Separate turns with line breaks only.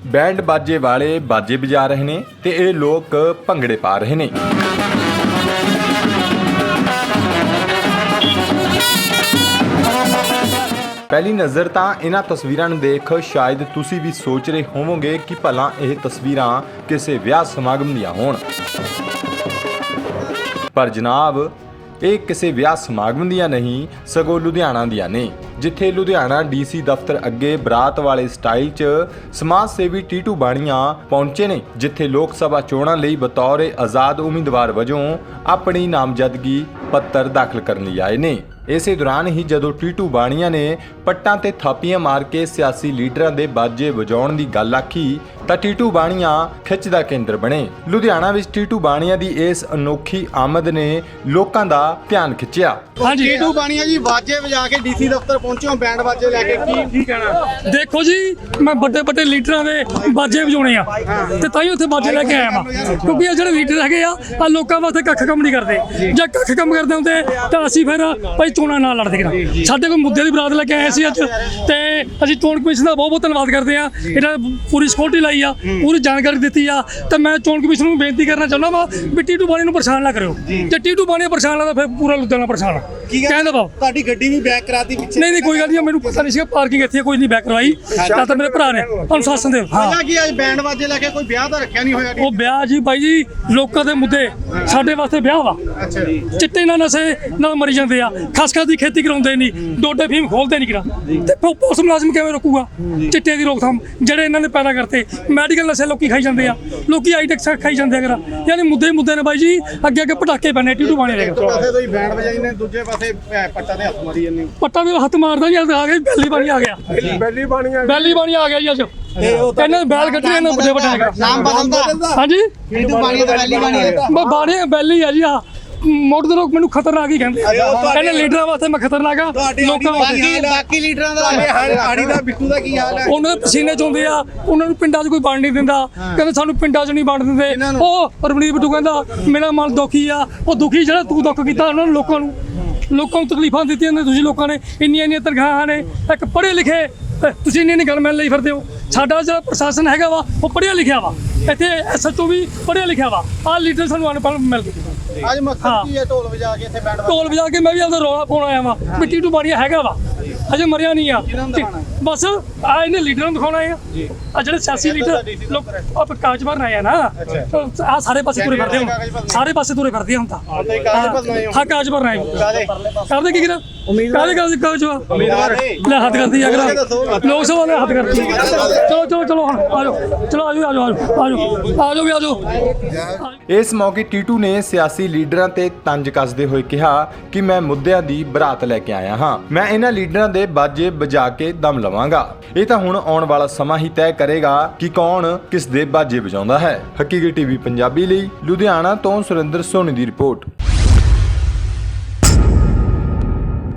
Band बाजे वाले बाजे बजा रहे ने ते ये लोग भंगड़े पा रहे ने। पहली नज़र तो इन्हां तस्वीरां नूं देख शायद तुसी भी सोच रहे होवोगे कि भला यह तस्वीरां किसी विआह समागम दियां होण, पर जनाब ਇਹ ਕਿਸੇ ਵਿਆਹ ਸਮਾਗਮ ਦੀਆਂ ਨਹੀਂ ਸਗੋਂ ਲੁਧਿਆਣਾ ਦੀਆਂ ਨੇ, ਜਿੱਥੇ ਲੁਧਿਆਣਾ ਡੀਸੀ ਦਫ਼ਤਰ ਅੱਗੇ ਬਰਾਤ ਵਾਲੇ ਸਟਾਈਲ 'ਚ ਸਮਾਜ ਸੇਵੀ ਟੀਟੂ ਬਾਣੀਆਂ ਪਹੁੰਚੇ ਨੇ, ਜਿੱਥੇ ਲੋਕ ਸਭਾ ਚੋਣਾਂ ਲਈ ਬਤੌਰ ਆਜ਼ਾਦ ਉਮੀਦਵਾਰ ਵਜੋਂ ਆਪਣੀ ਨਾਮਜ਼ਦਗੀ ਪੱਤਰ ਦਾਖਲ ਕਰਨ ਲਈ ਆਏ ਨੇ। ਇਸੇ ਦੌਰਾਨ ਹੀ ਜਦੋਂ ਟੀਟੂ ਬਾਣੀਆਂ ਨੇ ਪੱਟਾਂ ਤੇ ਥਾਪੀਆਂ ਮਾਰ ਕੇ ਸਿਆਸੀ ਲੀਡਰਾਂ ਦੇ ਬਾਜੇ ਵਜਾਉਣ ਦੀ ਗੱਲ ਆਖੀ ਤਾਂ ਟੀਟੂ ਬਾਣੀਆਂ ਖਿੱਚ ਦਾ ਕੇਂਦਰ ਬਣੇ। ਲੁਧਿਆਣਾ ਵਿੱਚ ਟੀਟੂ ਬਾਣੀਆਂ ਦੀ ਇਸ ਅਨੋਖੀ ਆਮਦ ਨੇ ਲੋਕਾਂ ਦਾ ਧਿਆਨ ਖਿੱਚਿਆ।
ਹਾਂਜੀ, ਟੀਟੂ ਬਾਣੀਆਂ ਜੀ ਬਾਜੇ ਵਜਾ ਕੇ ਡੀਸੀ ਦਫ਼ਤਰ ਪਹੁੰਚੇ ਹੋ, ਬੈਂਡ ਬਾਜੇ ਲੈ ਕੇ, ਕੀ ਕਹਿਣਾ?
ਦੇਖੋ ਜੀ, ਮੈਂ ਵੱਡੇ ਲੀਡਰਾਂ ਦੇ ਬਾਜੇ ਵਜਾਉਣੇ ਆ ਤੇ ਤਾਂ ਹੀ ਉੱਥੇ ਬਾਜੇ ਲੈ ਕੇ ਆਇਆ ਵਾਂ, ਕਿਉਂਕਿ ਇਹ ਜਿਹੜੇ ਲੀਡਰ ਹੈਗੇ ਆ ਲੋਕਾਂ ਵਾਸਤੇ ਕੱਖ ਕੰਮ ਨਹੀਂ ਕਰਦੇ। ਜੇ ਕੱਖ ਕੰਮ ਕਰਦੇ ਹੁੰਦੇ ਤਾਂ ਅਸੀਂ ਫਿਰ ਭਾਈ ਚੋਣਾਂ ਨਾਲ ਲੜਦੇ ਕਿਰਾਂ। ਸਾਡੇ ਕੋਲ ਮੁੱਦੇ ਦੀ ਬਰਾਤ ਲੈ ਕੇ ਆਏ ਸੀ ਅੱਜ, ਤੇ ਅਸੀਂ ਚੋਣ ਕਮਿਸ਼ਨ ਦਾ ਬਹੁਤ ਧੰਨਵਾਦ ਕਰਦੇ ਆ। ਇਹਨਾਂ ਪੂਰੀ ਸਿਕਿਉਰਿਟੀ ਲਾਈ ਆ, ਪੂਰੀ ਜਾਣਕਾਰੀ ਦਿੱਤੀ ਆ, ਤੇ ਮੈਂ ਚੋਣ ਕਮਿਸ਼ਨ ਨੂੰ ਬੇਨਤੀ ਕਰਨਾ ਚਾਹੁੰਦਾ ਵਾ ਵੀ ਟੀਟੂ ਬਾਣੀ ਨੂੰ ਪਰੇਸ਼ਾਨ ਨਾ ਕਰਿਓ। ਜੇ ਟੀਟੂ ਬਾਣੀ ਪਰੇਸ਼ਾਨ ਲੱਗਦਾ ਫਿਰ ਪੂਰਾ ਲੁਧਿਆਣਾ ਪਰੇਸ਼ਾਨ ਕਹਿੰਦਾ ਵਾ।
ਤੁਹਾਡੀ ਗੱਡੀ ਵੀ ਬੈਕ ਕਰਾਤੀ ਪਿੱਛੇ?
ਨਹੀਂ ਕੋਈ ਗੱਲ ਨਹੀਂ, ਮੈਨੂੰ ਪਤਾ ਨਹੀਂ ਸੀਗਾ ਪਾਰਕਿੰਗ ਇੱਥੇ ਕੋਈ ਨਹੀਂ ਬੈਕ ਕਰਵਾਈ, ਤਾਂ ਮੇਰੇ ਭਰਾ ਨੇ ਅਨੁਸ਼ਾਸਨ ਦੇ।
ਹਾਂ ਕੀ ਅੱਜ ਬੈਂਡ ਬਾਜੇ ਲੈ ਕੇ ਕੋਈ ਵਿਆਹ ਤਾਂ ਰੱਖਿਆ ਨਹੀਂ ਹੋਇਆ?
ਉਹ ਵਿਆਹ ਜੀ ਬਾਈ ਜੀ ਲੋਕਾਂ ਦੇ ਮੁੱਦੇ, ਸਾਡੇ ਵਾਸਤੇ ਵਿਆਹ ਵਾ।
ਅੱਛਾ ਜੀ,
ਚਿੱਟੇ ਨਾਲ ਨਸ਼ੇ ਨਾਲ ਮਰੀ ਜਾਂਦੇ ਆ, ਖਸਖਸ ਦੀ ਖੇਤੀ ਕਰਾਉਂਦੇ ਨਹੀਂ, ਡੋਡੇ ਫੀਮ ਖੋਲਦੇ ਨਹੀਂ ਕਿਰਾ, ਤੇ ਪੁਲਿਸ ਮੁਲਾਜ਼ਮ ਕਿਵੇਂ ਰੋਕੂਗਾ ਚਿੱਟੇ ਦੀ ਰੋਕਥਾਮ ਜਿਹੜੇ ਇਹਨਾਂ ਨੇ ਪੈਦਾ ਕਰਤੇ। ਮੈਡੀਕਲ ਨਸ਼ੇ ਲੋਕੀ ਖਾਈ ਜਾਂਦੇ ਆ, ਲੋਕੀ ਆਈਟੈਕਸ ਖਾਈ ਜਾਂਦੇ ਆ ਕਿਰਾ, ਯਾਨੀ ਮੁੱਦੇ ਨੇ ਬਾਈ ਜੀ। ਅੱਗੇ ਪਟਾਕੇ ਪੈਣੇ ਟੀਟੂ ਬਾਣੇ ਦੇ।
ਇੱਕ ਪਾਸੇ ਤੁਸੀਂ ਬੈਂਡ ਵਜਾਈ ਨੇ, ਦੂਜੇ ਪਾਸੇ ਪੱਟਾਂ ਦੇ ਹੱਥ ਮਾਰੀ ਜਾਂਦੇ।
ਪੱਟਾਂ ਦੇ ਹੱਥ ਮਾਰਦਾ ਜੀ, ਆ ਗਿਆ ਬੈਲੀ ਬਾਣੀ ਆ ਗਿਆ, ਬੈਲੀ ਬਾਣੀ ਆ ਗਿਆ ਜੀ ਅੱਜ। ਇਹਨਾਂ ਬੈਲ ਕੱਢੇ ਇਹਨਾਂ ਵੱਡੇ
ਨਾਮ ਬਦਲਦਾ।
ਹਾਂਜੀ,
ਟੀਟੂ ਬਾਣੀ ਤੇ ਬੈਲੀ ਬਾਣੀ
ਬੈਲੀ ਆ ਜੀ। ਆ ਮੋੜ ਦੇ ਲੋਕ ਮੈਨੂੰ ਖਤਰਨਾਕ ਹੀ ਕਹਿੰਦੇ, ਕਹਿੰਦੇ ਲੀਡਰਾਂ ਵਾਸਤੇ ਮੈਂ ਖਤਰਨਾਕ ਆ, ਲੋਕਾਂ ਵਾਸਤੇ।
ਬਾਕੀ ਲੀਡਰਾਂ ਦਾ ਆੜੀ ਦਾ ਬਿੱਟੂ ਦਾ ਕੀ ਹਾਲ ਹੈ?
ਉਹਨਾਂ ਦੇ ਪਸੀਨੇ ਚੋਂਦੇ ਆ, ਉਹਨਾਂ ਨੂੰ ਪਿੰਡਾਂ 'ਚ ਕੋਈ ਵੰਡ ਨਹੀਂ ਦਿੰਦਾ, ਕਹਿੰਦੇ ਸਾਨੂੰ ਪਿੰਡਾਂ 'ਚ ਨਹੀਂ ਵੰਡ ਦਿੰਦੇ। ਉਹ ਰਮਨੀਤ ਬਿੱਟੂ ਕਹਿੰਦਾ ਮੇਰਾ ਮਨ ਦੁਖੀ ਆ। ਉਹ ਦੁਖੀ ਜਿਹੜਾ ਤੂੰ ਦੁੱਖ ਕੀਤਾ ਉਹਨਾਂ ਨੂੰ, ਲੋਕਾਂ ਨੂੰ ਤਕਲੀਫਾਂ ਦਿੱਤੀਆਂ ਨੇ ਤੁਸੀਂ। ਲੋਕਾਂ ਨੇ ਇੰਨੀਆਂ ਤਨਖਾਹਾਂ ਨੇ, ਇੱਕ ਪੜ੍ਹੇ ਲਿਖੇ ਤੁਸੀਂ ਇੰਨੀ ਗੱਲ ਮੰਨ ਲਈ ਫਿਰਦੇ ਹੋ। ਸਾਡਾ ਜਿਹੜਾ ਪ੍ਰਸ਼ਾਸਨ ਹੈਗਾ ਵਾ ਉਹ ਪੜ੍ਹਿਆ ਲਿਖਿਆ ਵਾ, ਇੱਥੇ ਐਸਐਚਓ ਵੀ ਪੜ੍ਹਿਆ ਲਿਖਿਆ ਵਾ। ਆਹ ਲੀਡਰ ਸਾਨੂੰ ਅਨਪੜ੍ਹ ਮਿਲ ਗਏ।
ਅੱਜ ਮਕਸਦ ਕੀ ਹੈ ਢੋਲ ਵਜਾ ਕੇ ਇੱਥੇ ਬੈਂਡ
ਢੋਲ ਵਜਾ ਕੇ? ਮੈਂ ਵੀ ਆਪਦਾ ਰੌਲਾ ਪਾਉਣ ਆਇਆ ਵਾਂ ਵੀ ਟੀਟੂ ਬਾਣੀਆ ਹੈਗਾ ਵਾ, ਅਜੇ ਮਰਿਆ ਨਹੀਂ ਆ। ਬਸ ਆ ਇਹਨੇ ਲੀਡਰਾਂ ਨੂੰ ਦਿਖਾਉਣਾ ਆ, ਆ ਜਿਹੜੇ ਸਿਆਸੀ ਲੀਡਰ ਲੋਕ ਕਾਗਜ਼ ਭਰਨ ਆਏ ਆ ਨਾ, ਆ ਸਾਰੇ ਪਾਸੇ ਤੁਰੇ ਫਿਰਦੇ ਹੁਣ, ਸਾਰੇ ਪਾਸੇ ਤੁਰੇ ਫਿਰਦੇ ਹੁਣ ਤਾਂ। ਹਾਂ ਕਾਗਜ਼ ਭਰਨ ਆਏ ਕਰਦੇ ਕੀ ਕਰਾਂ? ਕਾਹਦੇ ਕਾਗਜ਼ ਲੈ ਹੱਥ ਕਰਦੀ ਆ ਲੋਕ ਸਭਾ ਨੇ ਹੱਥ ਕਰਦੀ। ਚਲੋ ਹੁਣ ਆਜੋ।
ਇਸ ਮੌਕੇ ਟੀਟੂ ਨੇ ਸਿਆਸੀ ਲੀਡਰਾਂ ਤੇ ਤੰਜ ਕੱਸਦੇ ਹੋਏ ਕਿਹਾ ਕਿ ਮੈਂ ਮੁੱਦਿਆਂ ਦੀ ਬਰਾਤ ਲੈ ਕੇ ਆਇਆ ਹਾਂ, ਮੈਂ ਇਹਨਾਂ ਲੀਡਰਾਂ ਦੇ ਬਾਜੇ ਵਜਾ ਕੇ ਦਮ ਲਵਾਂਗਾ। ਇਹ ਤਾਂ ਹੁਣ ਆਉਣ ਵਾਲਾ ਸਮਾਂ ਹੀ ਤੈਅ ਕਰੇਗਾ ਕਿ ਕੌਣ ਕਿਸ ਦੇ ਬਾਜੇ ਵਜਾਉਂਦਾ ਹੈ। ਹਕੀਕਤ ਟੀਵੀ ਪੰਜਾਬੀ ਲਈ ਲੁਧਿਆਣਾ ਤੋਂ ਸੁਰਿੰਦਰ ਸੋਨੀ ਦੀ ਰਿਪੋਰਟ।